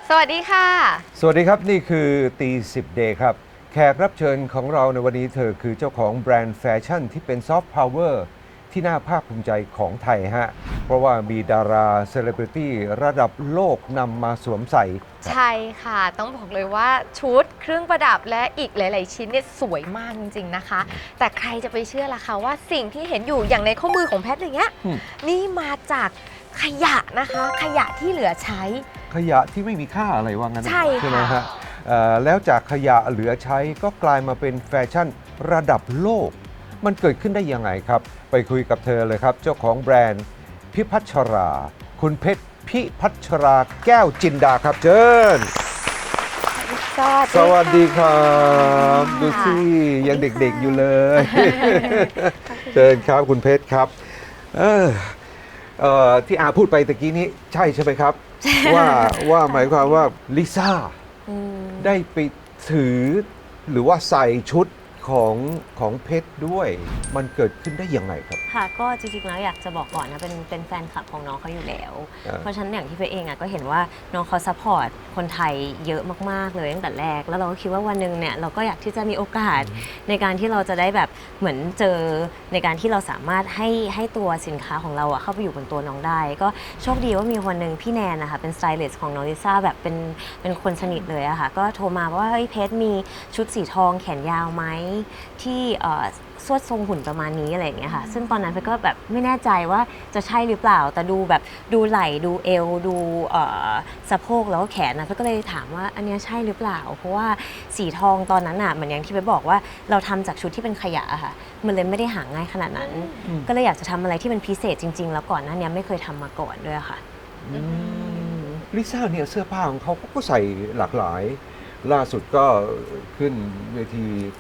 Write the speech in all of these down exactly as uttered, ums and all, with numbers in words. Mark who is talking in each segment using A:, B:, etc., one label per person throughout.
A: สวัสดีค่ะ
B: สวัสดีครับนี่คือตีสิบเดย์ครับแขกรับเชิญของเราในวันนี้เธอคือเจ้าของแบรนด์แฟชั่นที่เป็นซอฟต์พาวเวอร์ที่น่าภาคภูมิใจของไทยฮะเพราะว่ามีดาราเซเลบริตี้ระดับโลกนำมาสวมใส่
A: ใช่ค่ะต้องบอกเลยว่าชุดเครื่องประดับและอีกหลาย ๆ ชิ้นเนี่ยสวยมากจริง ๆ นะคะ แต่ใครจะไปเชื่อล่ะคะว่าสิ่งที่เห็นอยู่อย่างในข้อมือของแพทอย่างเงี้ยนี่มาจากขยะนะคะขยะที่เหลือใช้
B: ขยะที่ไม่มีค่าอะไรว่างั้น
A: ใช่
B: ใช่ไหมฮะแล้วจากขยะเหลือใช้ก็กลายมาเป็นแฟชั่นระดับโลกมันเกิดขึ้นได้ยังไงครับไปคุยกับเธอเลยครับเจ้าของแบรนด์พิพัชรา คุณเพชรพิพัชราแก้วจินดาครับเชิญสวัสดีครับดูสิยังเด็กๆอยู่เลยเชิญครับคุณเพชรครับเออเอ่อที่อาพูดไปตะกี้นี้ใช่ใช่ไหมครับว่าว่าหมายความว่าลิซ่าได้ไปถือหรือว่าใส่ชุดของของเพชรด้วยมันเกิดขึ้นได้ยังไงครับ
C: ค่ะก็จริงๆแล้วอยากจะบอกก่อนนะเป็นเป็นแฟนคลับของน้องเขาอยู่แล้วเพราะฉะนั้นอย่างที่เพชรเองอ่ะก็เห็นว่าน้องเขาซัพพอร์ตคนไทยเยอะมากๆเลยตั้งแต่แรกแล้วเราก็คิดว่าวันหนึ่งเนี่ยเราก็อยากที่จะมีโอกาสในการที่เราจะได้แบบเหมือนเจอในการที่เราสามารถให้ให้ตัวสินค้าของเราอ่ะเข้าไปอยู่บนตัวน้องได้ก็โชคดีว่ามีคนหนึ่งพี่แนนนะคะเป็นสไตลิสต์ของน้องลิซ่าแบบเป็นเป็นคนสนิทเลยอะค่ะก็โทรมาว่าเฮ้ยเพชรมีชุดสีทองแขนยาวไหมที่สวดทรงหุ่นประมาณนี้อะไรอย่างเงี้ยค่ะซึ่งตอนนั้นเพชรก็แบบไม่แน่ใจว่าจะใช่หรือเปล่าแต่ดูแบบดูไหล่ดูเอวดูสะโพกแล้วก็แขนนะเพชรก็เลยถามว่าอันนี้ใช่หรือเปล่าเพราะว่าสีทองตอนนั้นอ่ะเหมือนอย่างที่เพชรบอกว่าเราทำจากชุดที่เป็นขยะค่ะมันเลยไม่ได้หาง่ายขนาดนั้นก็เลยอยากจะทำอะไรที่เป็นพิเศษจริงๆแล้วก่อนหน้านี้ไม่เคยทำมาก่อนด้วยค่ะ
B: ลิซ่าเนี่ยเสื้อผ้าของเขาก็ใส่หลากหลายล่าสุดก็ขึ้นเวที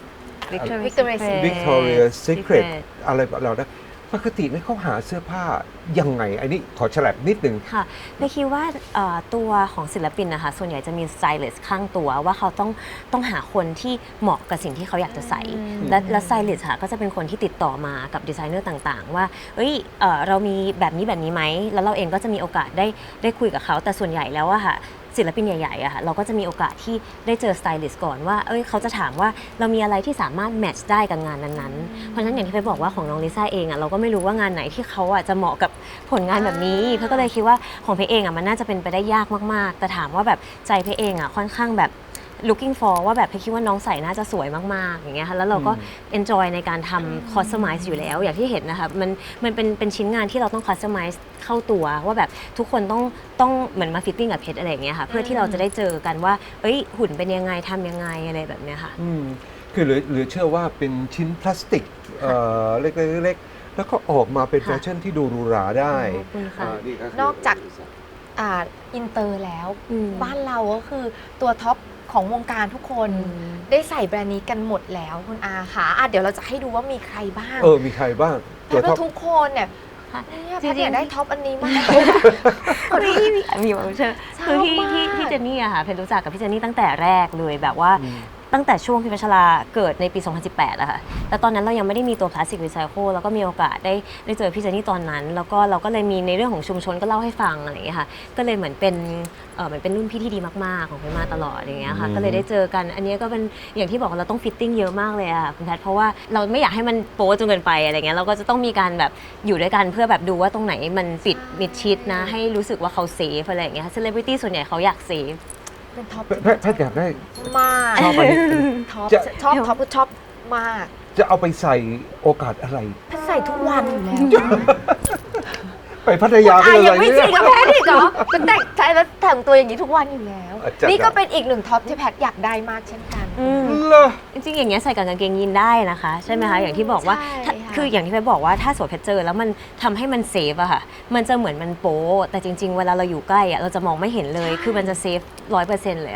B: Victoria's Secret อะไรเราได้ปกติเนี่ยเขาหาเสื้อผ้ายังไงอันนี้ขอฉลับนิดนึง
C: ค่ะไม่คิดว่าตัวของศิลปินนะคะส่วนใหญ่จะมีสไตลิสต์ข้างตัวว่าเขาต้องต้องหาคนที่เหมาะกับสิ่งที่เขาอยากจะใส่และและสไตลิสต์ค่ะก็จะเป็นคนที่ติดต่อมากับดีไซเนอร์ต่างๆว่าเอ้ยเอ่อเรามีแบบนี้แบบนี้ไหมแล้วเราเองก็จะมีโอกาสได้ได้คุยกับเขาแต่ส่วนใหญ่แล้วอะค่ะศิลปินใหญ่ๆอะค่ะเราก็จะมีโอกาสที่ได้เจอสไตลิสต์ก่อนว่าเอ้ยเขาจะถามว่าเรามีอะไรที่สามารถแมทช์ได้กับงานนั้นๆเพราะฉะนั้นอย่างที่ไปบอกว่าของน้องลิซ่าเองอะเราก็ไม่รู้ว่างานไหนที่เขาอะจะเหมาะกับผลงานแบบนี้เพราะก็เลยคิดว่าของเพเองอะมันน่าจะเป็นไปได้ยากมากๆแต่ถามว่าแบบใจเพเองอะค่อนข้างแบบ looking for ว่าแบบเพคิดว่าน้องใส่น่าจะสวยมากๆอย่างเงี้ยค่ะแล้วเราก็ enjoy ในการทำ customize อยู่แล้วอย่างที่เห็นนะคะมันมันเป็นเป็นชิ้นงานที่เราต้อง customize เข้าตัวว่าแบบทุกคนต้องต้องเหมือนมา fitting กับเพชรอะไรอย่างเงี้ยค่ะเพื่อที่เราจะได้เจอกันว่าเอ้ยหุ่นเป็นยังไงทำยังไงอะไรแบบเนี้ยค่ะ
B: คือหรือหรือเชื่อว่าเป็นชิ้นพลาสติกเล็กๆแล้วก็ออกมาเป็นแฟชั่นที่ดูหรูหราได้
A: นอกจากอินเตอร์แล้วบ้านเราก็คือตัวท็อปของวงการทุกคนได้ใส่แบรนด์นี้กันหมดแล้วคุณอาค่ะเดี๋ยวเราจะให้ดูว่ามีใครบ้าง
B: เออมีใครบ้าง
A: ตัวท็อปทุกคนเนี่ยแพทย์อยากได้ท็อปอันนี้มาก
C: คนที่มีแบบเชื่อคือที่ที่ที่เจนนี่อะค่ะเพนรู้จักกับพี่เจนนี่ตั้งแต่แรกเลยแบบว่าตั้งแต่ช่วงพิพัชราเกิดในปี สองพันสิบแปด อะค่ะแต่ตอนนั้นเรายังไม่ได้มีตัวพลาสติกรีไซเคิลแล้วก็มีโอกาสได้ได้เจอพี่เจนนี่ตอนนั้นแล้วก็เราก็เลยมีในเรื่องของชุมชนก็เล่าให้ฟังอะไรอย่างเงี้ยค่ะก็เลยเหมือนเป็นเออเหมือนเป็นรุ่นพี่ที่ดีมากๆของเพนมาตลอดอย่างเงี้ยค่ะก็เลยได้เจอกันอันนี้ก็เป็นอย่างที่บอกเราต้องฟิตติ้งเยอะมากเลยอะคุณแพทเพราะว่าเราไม่อยากให้มันโป๊จนเกินไปอะไรเงี้ยเราก็จะต้องมีการแบบอยู่ด้วยกันเพื่อแบบดูว่าตรงไหนมันปิดมิดชิดนะให้รู้สึกว่าเขาเซฟอะไรอย่างเงี้ยเซเลบริตี้ส่วนใหญ่เขาอยากเซฟ
A: เป็นท็อป
B: แพทย์อยากได้
A: มาก
B: ชอบอันนี้
A: ท็อปชอบท็อปชอบมาก
B: จะเอาไปใส่โอกาสอะไร
A: แพทย์ใส่ทุกวันอยู่แล้ว
B: ไปพัทยาไปอะไร
A: เนี่ยไม่จริงกับแพทย์อีกเหรอมันแต่งใช้แล้วแต่งตัวอย่างนี้ทุกวันอยู่แล้วนี่ก็เป็นอีกหนึ่งท็อปที่แพทย์อยากได้มากเช่นกัน
C: จริงๆอย่างเงี้ยใส่กับกางเกงยีนได้นะคะใช่ไหมคะอย่างที่บอกว่าคืออย่างที่เพชรบอกว่าถ้าสวมเพชรเจอแล้วมันทำให้มันเซฟอะค่ะมันจะเหมือนมันโป๊แต่จริงๆเวลาเราอยู่ใกล้อะเราจะมองไม่เห็นเลยคือมันจะเซฟร้อยเปอร์เซ็นต์เลยอะค่ะ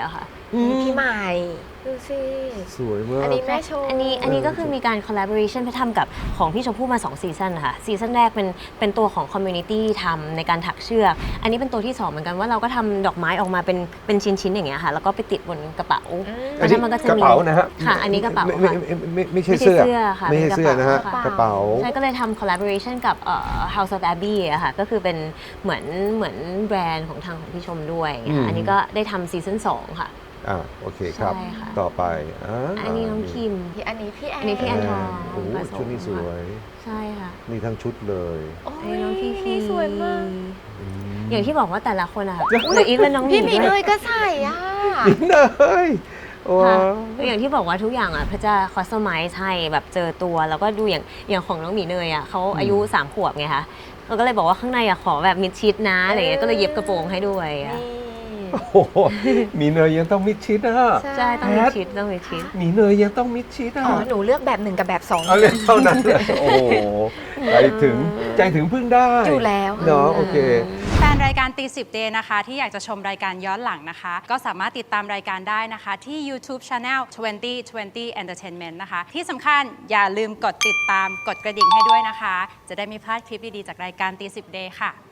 B: อืม
A: มีพี่ใหม่ดูสิ
B: สวยมาก
A: อันนี้แม่ชม
C: อันนี้อันนี้ก็คือมีการ collaboration ไปทำกับของพี่ชมพู่มา2ซีซันนะคะซีซันแรกเป็นเป็นตัวของ community ทำในการถักเชือก อันนี้เป็นตัวที่สองเหมือนกันว่าเราก็ทำดอกไม้ออกมาเป็นเป็นชิ้นๆอย่างเงี้ยค่ะแล้วก็ไปติดบนกระเป๋า
A: อืม
C: แล้วนั้นมันก็จะ
B: กระ
C: มี
B: เป๋านะฮะ
C: ค่ะอันนี้กระเป๋า
B: ไม่
C: ค่ะ
B: ไม่ไม่ไม่ไม่ใช่
C: ไม่ใช่
B: เสื้อ
C: เสื้อค่ะ
B: ไม่ใช่
C: เป็นกระ
B: เสื้อนะฮะ
C: เป๋า
B: กระเป๋า
C: ใช่ก็เลยทำ collaboration กับเอ่อ House of Abbey อะค่ะก็คือเป็นเหมือนเหมือนแบรนด์ของทางของพี่ชมด้วย
B: อืม
C: อันนี้ก็ได้ทำซีซั่นสองค่ะ
B: อ่าโอเคครับ
C: ใช่ค่ะ
B: ต่อไปอ่า
C: อันนี้น้องคิม
A: พี่อันนี้พี่แอน
C: อันนี้พี่แอนทอง
B: โอ้โห
C: ผสม
B: ชุดนี้สวย
C: ใช่ค่ะ
B: นี่ทั้งชุดเลย
A: โอ้
C: อัน
A: ย
C: นี้น้องพี่พี
A: นี่สวยมาก
B: อืม
C: อย่างที่บอกว่าแต่ละคนอะค่ะหรืออีกเป็นน้องหมี
A: พี่หมี
C: ด้
A: เล
C: วย
A: ยก็ใส่อ่ะ
B: นี่เลยโอ้
C: ค่ะคืออย่างที่บอกว่าทุกอย่างอ่ะพระจะคอสตอมไมซ์ให้แบบเจอตัวแล้วก็ดูอย่างอย่างของน้องหมีเนยอ่ะเขาอายุสามขวบไงคะเราก็เลยบอกว่าข้างในอ่ะขอแบบมิดชิดนะอะไรเงี้ยก็เลยเย็บกระโปรงให้ด้วยอะ
A: นี่
B: โอ้โหมีเนยยังต้องมิดชิดนะ
C: ใช่ต้องมิดชิดต้องมิดชิด
B: มีเนยยังต้องมิดชิดอ่ะ
A: อ๋อหนูเลือกแบบหนึ่งกับแบบสอง
B: เอาเลยเท่านั้นเลยโอ้โหใจถึงใจถึงพึ่งได้
A: อยู่แล้ว
B: เนาะโอเค
D: แฟนรายการตีสิบเดย์นะคะที่อยากจะชมรายการย้อนหลังนะคะ ก็สามารถติดตามรายการได้นะคะ ที่ YouTube Channel ยี่สิบ ยี่สิบ Entertainment นะคะ ที่สำคัญอย่าลืมกดติดตามกดกระดิ่งให้ด้วยนะคะ จะได้ไม่พลาดคลิปดี ๆ จากรายการตีสิบเดย์ค่ะ